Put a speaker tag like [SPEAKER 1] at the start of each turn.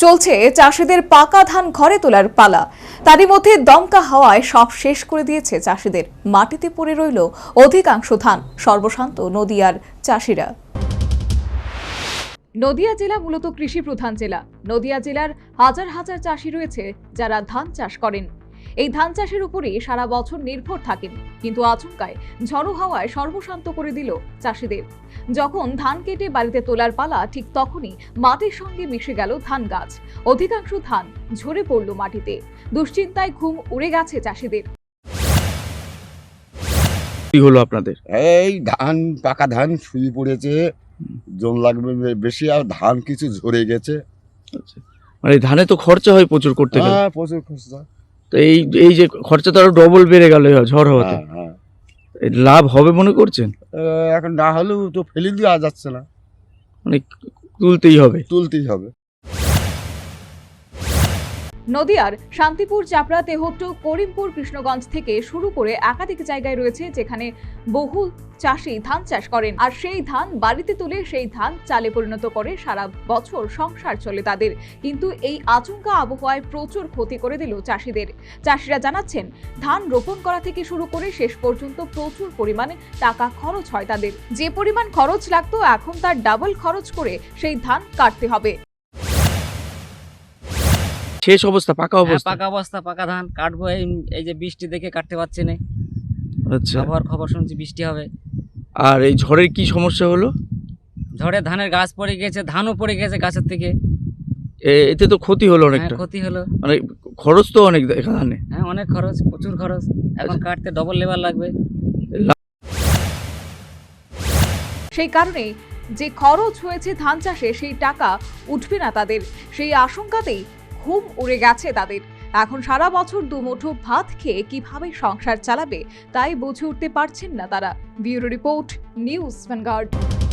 [SPEAKER 1] চলছে চাষিদের পাকা ধান ঘরে তোলার পালা। তারই মধ্যে দমকা হাওয়ায় সব শেষ করে দিয়েছে চাষিদের। মাটিতে পড়ে রইল অধিকাংশ ধান। সর্বশান্ত নদিয়ার চাষিরা। নদিয়া জেলা মূলত কৃষি প্রধান জেলা। নদিয়া জেলার হাজার হাজার চাষি রয়েছে যারা ধান চাষ করেন। এই ধান চাষের উপরই সারা বছর নির্ভর থাকেন, কিন্তু আচমকায় ঝড়ো হাওয়ায় সর্বশান্ত করে দিল চাষিদের। যখন ধান কেটে বাড়িতে তোলার পালা, ঠিক তখনই মাটির সঙ্গে মিশে গেল ধান গাছ। অধিকাংশ ধান ঝরে পড়ল মাটিতে। দুশ্চিন্তায় ঘুম উড়ে গেছে চাষিদের।
[SPEAKER 2] কি হলো আপনাদের?
[SPEAKER 3] এই ধান পাকা ধান শুয়ে পড়েছে, জল লাগবে বেশি, আর ধান কিছু ঝরে গেছে।
[SPEAKER 2] আচ্ছা, মানে ধানে তো খরচা হয় প্রচুর করতে গেলে।
[SPEAKER 3] হ্যাঁ, প্রচুর খরচা।
[SPEAKER 2] তো এই যে খরচা তো আরো ডবল বেড়ে গেল ঝড় হওয়াতে।
[SPEAKER 3] হ্যাঁ।
[SPEAKER 2] এই লাভ হবে মনে করছেন?
[SPEAKER 3] এখন না হলেও তো ফেলে দেওয়া যাচ্ছে না,
[SPEAKER 2] মানে তুলতেই হবে।
[SPEAKER 3] তুলতেই হবে।
[SPEAKER 1] নদিয়ার শান্তিপুর, চাপড়া, তেহট্ট, করিমপুর, কৃষ্ণগঞ্জ থেকে শুরু করে একাধিক জায়গায় রয়েছে যেখানে বহু চাষি ধান চাষ করেন, আর সেই ধান বাড়িতে তুলে সেই ধান চালে পরিণত করে সারা বছর সংসার চলে তাদের। কিন্তু এই আচমকা আবহাওয়ায় প্রচুর ক্ষতি করে দিল চাষিদের। চাষিরা জানাচ্ছেন, ধান রোপণ করা থেকে শুরু করে শেষ পর্যন্ত প্রচুর পরিমাণে টাকা খরচ হয় তাদের। যে পরিমাণ খরচ লাগতো, এখন তার ডাবল খরচ করে সেই ধান কাটতে হবে।
[SPEAKER 2] শেষ অবস্থা, পাকা অবস্থা।
[SPEAKER 4] পাকা অবস্থা, পাকা ধান কাটবো। এই যে বৃষ্টি দেখে কাটতে পারছি না।
[SPEAKER 2] আচ্ছা,
[SPEAKER 4] আবহাওয়ার খবর শুনছি বৃষ্টি হবে।
[SPEAKER 2] আর এই ঝড়ের কি সমস্যা হলো?
[SPEAKER 4] ঝড়ে ধানের গাছ পড়ে গেছে, ধানও পড়ে গেছে গাছের থেকে।
[SPEAKER 2] এতে তো ক্ষতি হলো অনেকটা।
[SPEAKER 4] ক্ষতি হলো,
[SPEAKER 2] মানে খরচ তো অনেক ধানে।
[SPEAKER 4] হ্যাঁ অনেক খরচ, প্রচুর খরচ। এখন কাটতে ডবল লেবার লাগবে।
[SPEAKER 1] সেই কারণে যে খরচ হয়েছে ধান চাষে, সেই টাকা উঠবে না তাদের। সেই আশঙ্কাতেই ঘুম উড়ে গেছে তাদের। এখন সারা বছর দুমুঠো ভাত খেয়ে কিভাবে সংসার চালাবে তাই বুঝে উঠতে পারছেন না তারা। Bureau report, news vanguard.